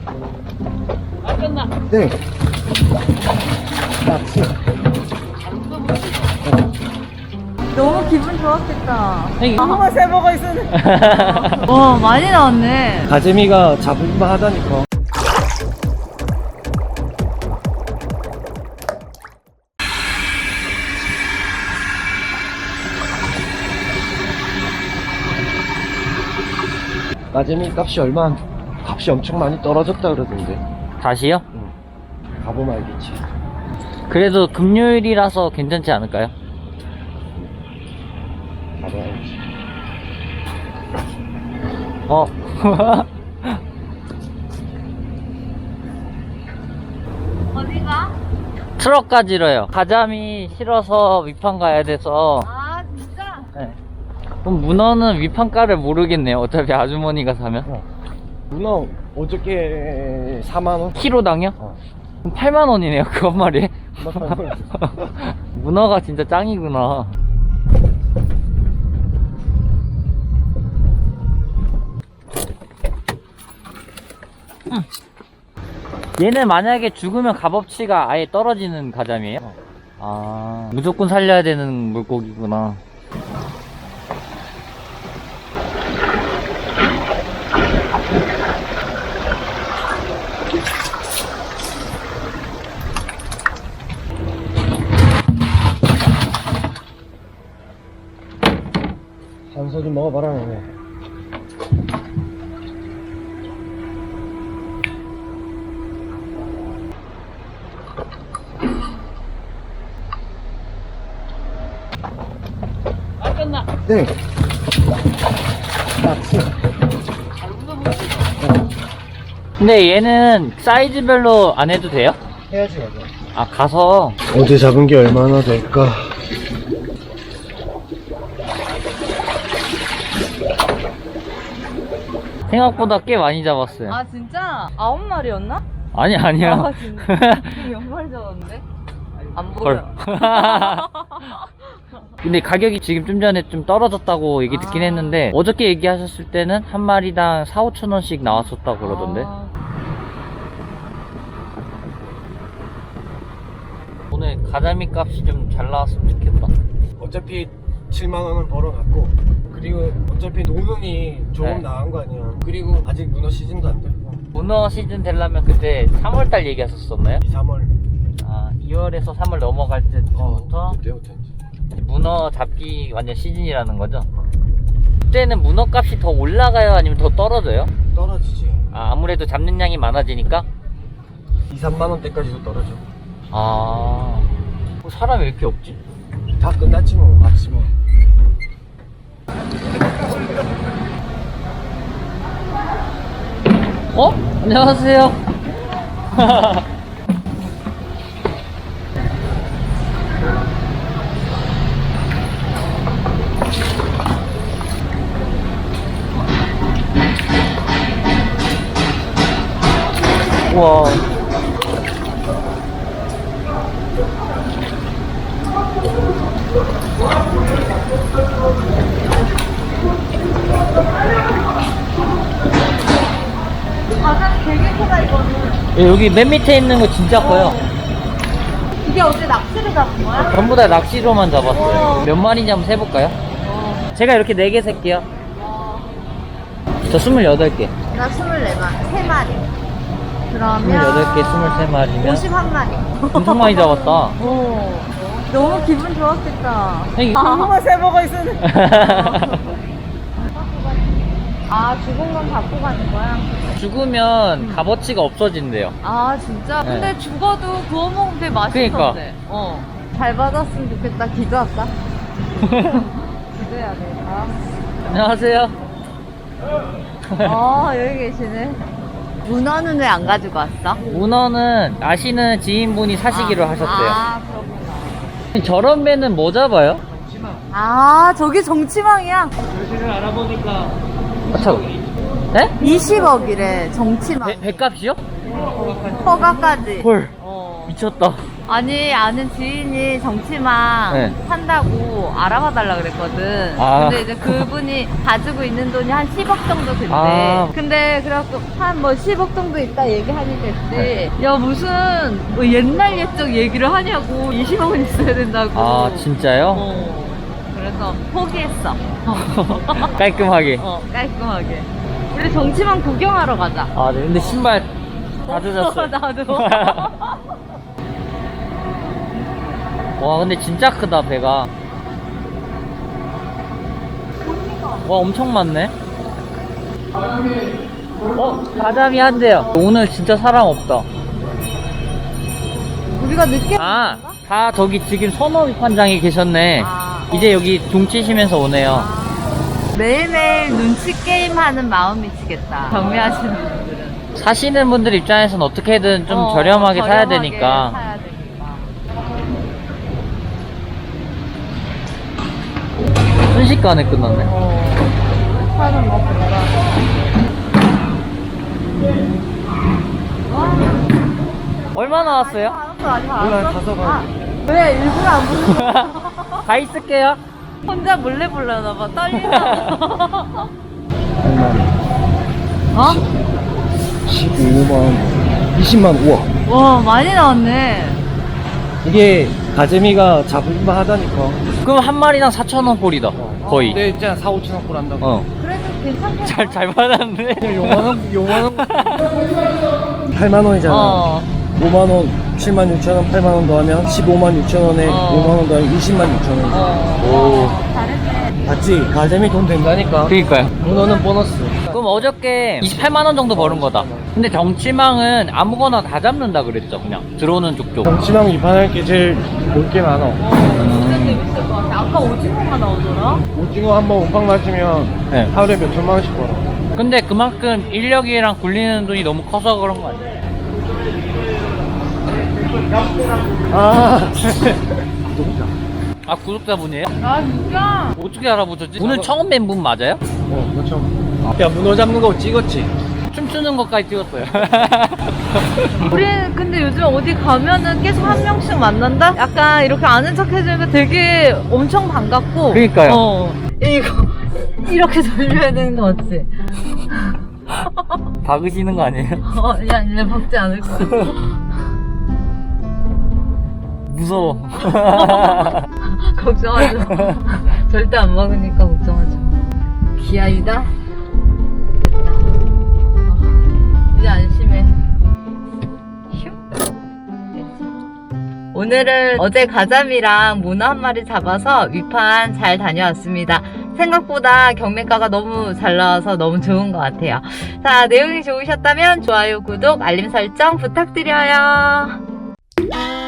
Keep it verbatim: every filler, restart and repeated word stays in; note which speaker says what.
Speaker 1: 아, 끝나.
Speaker 2: 네. 낙지.
Speaker 3: 너무 기분 좋았겠다.
Speaker 1: 형이-
Speaker 3: 한번 세버가 있었네. 와, 많이 나왔네.
Speaker 2: 가재미가 잡을만 하다니까. 가재미 값이 얼마, 값이 엄청 많이 떨어졌다 그러던데.
Speaker 1: 다시요?
Speaker 2: 응. 가보면 알겠지.
Speaker 1: 그래도 금요일이라서 괜찮지 않을까요?
Speaker 2: 가봐야지.
Speaker 1: 어.
Speaker 3: 어디가?
Speaker 1: 트럭 가지러요. 가자미 실어서 위판 가야 돼서.
Speaker 3: 아, 진짜?
Speaker 1: 네. 그럼 문어는 위판가를 모르겠네요. 어차피 아주머니가 사면.
Speaker 2: 어. 문어 어저께 사만 원?
Speaker 1: 키로당요?
Speaker 2: 어.
Speaker 1: 그럼 팔만 원이네요. 그 한 마리에. 문어가 진짜 짱이구나. 음. 얘는 만약에 죽으면 값어치가 아예 떨어지는 가자미예요?
Speaker 2: 어.
Speaker 1: 아, 무조건 살려야 되는 물고기구나.
Speaker 2: 산소 좀 먹어봐라. 네.
Speaker 1: 아, 끝나.
Speaker 2: 네. 낙지.
Speaker 1: 근데 얘는 사이즈별로 안 해도 돼요?
Speaker 2: 해야지 가자.
Speaker 1: 아, 가서.
Speaker 2: 어제 잡은 게 얼마나 될까?
Speaker 1: 생각보다 꽤 많이 잡았어요.
Speaker 3: 아, 진짜? 아홉 마리였나?
Speaker 1: 아니, 아니야.
Speaker 3: 아, 진짜? 몇 마리 잡았는데? 안
Speaker 1: 헐.
Speaker 3: 보여.
Speaker 1: 근데 가격이 지금 좀 전에 좀 떨어졌다고 얘기 듣긴
Speaker 3: 아.
Speaker 1: 했는데, 어저께 얘기하셨을 때는 한 마리당 사오천 원씩 나왔었다고 그러던데.
Speaker 3: 아,
Speaker 1: 오늘 가자미 값이 좀 잘 나왔으면 좋겠다.
Speaker 2: 어차피 칠만 원은 벌어놨고, 그리고 어차피 노능이 조금
Speaker 1: 네.
Speaker 2: 나은 거 아니야. 그리고 아직 문어 시즌도 안 됐고,
Speaker 1: 문어 시즌 되려면 그때 삼월달 얘기하셨었나요?
Speaker 2: 이, 삼월.
Speaker 1: 아, 이월에서 삼월 넘어갈 때부터
Speaker 2: 그때부터 이제.
Speaker 1: 문어 잡기 완전 시즌이라는 거죠? 그때는 문어 값이 더 올라가요? 아니면 더 떨어져요?
Speaker 2: 떨어지지.
Speaker 1: 아, 아무래도 잡는 양이 많아지니까?
Speaker 2: 이, 삼만 원대까지도 떨어져.
Speaker 1: 아, 뭐 사람이 왜 이렇게 없지?
Speaker 2: 다 끝났지 뭐, 아침에.
Speaker 1: 어? 안녕하세요. 우와.
Speaker 3: 가장 되게 크다, 이거는.
Speaker 1: 예, 여기 맨 밑에 있는 거 진짜 커요.
Speaker 3: 이게 어제 낚시를 잡은 거야?
Speaker 1: 전부 다 낚시로만 잡았어요.
Speaker 3: 우와.
Speaker 1: 몇 마리인지 한번 세볼까요?
Speaker 3: 어.
Speaker 1: 제가 이렇게 네 개 셀게요.
Speaker 3: 어.
Speaker 1: 저 스물여덟 개.
Speaker 3: 나 스물네 마리. 세 마리. 그러면.
Speaker 1: 스물여덟 개, 스물세 마리면
Speaker 3: 오십일 마리.
Speaker 1: 엄청 많이 잡았다.
Speaker 3: 오. 너무 기분 좋았겠다.
Speaker 1: 형이-
Speaker 3: 한번 세버가 있었네. 아, 죽은 건 갖고 가는 거야?
Speaker 1: 죽으면 값어치가 없어진대요.
Speaker 3: 아, 진짜?
Speaker 1: 네.
Speaker 3: 근데 죽어도 구워 먹으면 되게 맛있던데.
Speaker 1: 그러니까.
Speaker 3: 어. 잘 받았으면 좋겠다. 기도할까? 기도해야 돼. 아.
Speaker 1: 안녕하세요.
Speaker 3: 어, 여기 계시네. 문어는 왜 안 가지고 왔어?
Speaker 1: 문어는 아시는 지인분이 사시기로
Speaker 3: 아,
Speaker 1: 하셨대요.
Speaker 3: 아, 그렇구나.
Speaker 1: 저런 배는 뭐 잡아요?
Speaker 3: 아, 저기 정치망이야.
Speaker 1: 교실을 알아보니까. 아차. 네?
Speaker 3: 이십억이래 정치만.
Speaker 1: 배, 배값이요?
Speaker 3: 허가까지.
Speaker 1: 헐
Speaker 3: 어.
Speaker 1: 미쳤다.
Speaker 3: 아니 아는 지인이 정치망
Speaker 1: 네.
Speaker 3: 산다고 알아봐 달라 그랬거든.
Speaker 1: 아.
Speaker 3: 근데 이제 그분이 가지고 있는 돈이 한 십억 정도 된대.
Speaker 1: 아.
Speaker 3: 근데 그래갖고 한 뭐 십억 정도 있다 얘기하니까 했지.
Speaker 1: 네.
Speaker 3: 야 무슨 뭐 옛날 옛적 얘기를 하냐고. 이십억은 있어야 된다고.
Speaker 1: 아 진짜요?
Speaker 3: 어. 그래서 포기했어.
Speaker 1: 깔끔하게.
Speaker 3: 어 깔끔하게. 우리 정치망 구경하러 가자.
Speaker 1: 아 네. 근데 신발 다 젖었어요.
Speaker 3: 나도.
Speaker 1: 와 근데 진짜 크다 배가. 와 엄청 많네. 어 가자미 한대요. 오늘 진짜 사람 없다.
Speaker 3: 우리가 늦게
Speaker 1: 아 다 저기 지금 선호 관장이 계셨네.
Speaker 3: 아.
Speaker 1: 이제 여기 종 치시면서 오네요.
Speaker 3: 매일매일 눈치 게임 하는 마음 미치겠다. 경매하시는 분들은.
Speaker 1: 사시는 분들 입장에서는 어떻게든 좀
Speaker 3: 어,
Speaker 1: 저렴하게 사야
Speaker 3: 저렴하게
Speaker 1: 되니까.
Speaker 3: 사야 되니까.
Speaker 1: 순식간에 끝났네.
Speaker 3: 어. 사는 거 보니까.
Speaker 1: 얼마 나왔어요?
Speaker 3: 알았어, 아직 안
Speaker 2: 몰라요,
Speaker 3: 왔어.
Speaker 2: 가서 봐요.
Speaker 3: 아, 왜 일부러 안 부르는 거야?
Speaker 1: 가 있을게요.
Speaker 3: 혼자 몰래 불러나봐. 떨리나 봐.
Speaker 2: 얼마?
Speaker 3: 어?
Speaker 2: 십오만 원. 이십만 원. 우와.
Speaker 3: 와, 많이 나왔네.
Speaker 2: 이게 가재미가 잡을만 하다니까.
Speaker 1: 그럼 한 마리당 사천 원 꼴이다. 거의.
Speaker 2: 근데 진짜 사, 오천 원 꼴 한다고.
Speaker 1: 어.
Speaker 3: 그래도 괜찮겠다.
Speaker 1: 잘, 잘 받았네.
Speaker 2: 요만 원, 요만 원. 팔만 원이잖아.
Speaker 3: 어.
Speaker 2: 오만 원, 칠만 육천 원, 팔만 원 더하면 십오만 육천 원에
Speaker 3: 어.
Speaker 2: 오만 원 더하면 이십만 육천 원.
Speaker 3: 어. 잘했네.
Speaker 2: 맞지? 가재미 돈 된다니까.
Speaker 1: 그니까요.
Speaker 2: 문어는 보너스.
Speaker 1: 그럼 어저께 이십팔만 원 정도 버는 거다. 근데 정치망은 아무거나 다 잡는다 그랬죠. 그냥 들어오는 족족.
Speaker 2: 정치망 입안할 게 제일 볼 게 많아.
Speaker 3: 진짜 재밌을 것 같아. 아까 오징어가 나오더라?
Speaker 2: 오징어 한번 운빵 맞으면
Speaker 1: 네.
Speaker 2: 하루에 몇 천만 원씩 벌어.
Speaker 1: 근데 그만큼 인력이랑 굴리는 돈이 너무 커서 그런 거 아니에요?
Speaker 2: 아,
Speaker 1: 아 구독자분이에요?
Speaker 3: 아, 진짜?
Speaker 1: 어떻게 알아보셨지? 오늘 처음 뵌 분 맞아요?
Speaker 2: 어, 그렇죠. 야, 문어 잡는 거 찍었지?
Speaker 1: 춤추는 것까지 찍었어요.
Speaker 3: 우리 근데 요즘 어디 가면은 계속 한 명씩 만난다? 약간 이렇게 아는 척 해주니까 되게 엄청 반갑고.
Speaker 1: 그러니까요.
Speaker 3: 어. 이거 이렇게 돌려야 되는 거 맞지?
Speaker 1: 박으시는 거 아니에요?
Speaker 3: 어, 야, 얘 박지 않을 거야.
Speaker 1: 무서워.
Speaker 3: 걱정하지 마. 절대 안 먹으니까 걱정하지 마. 기아이다? 됐다. 어, 이제 안심해. 휴. 됐지. 오늘은 어제 가자미랑 문어 한 마리 잡아서 위판 잘 다녀왔습니다. 생각보다 경매가가 너무 잘 나와서 너무 좋은 것 같아요. 자, 내용이 좋으셨다면 좋아요, 구독, 알림 설정 부탁드려요.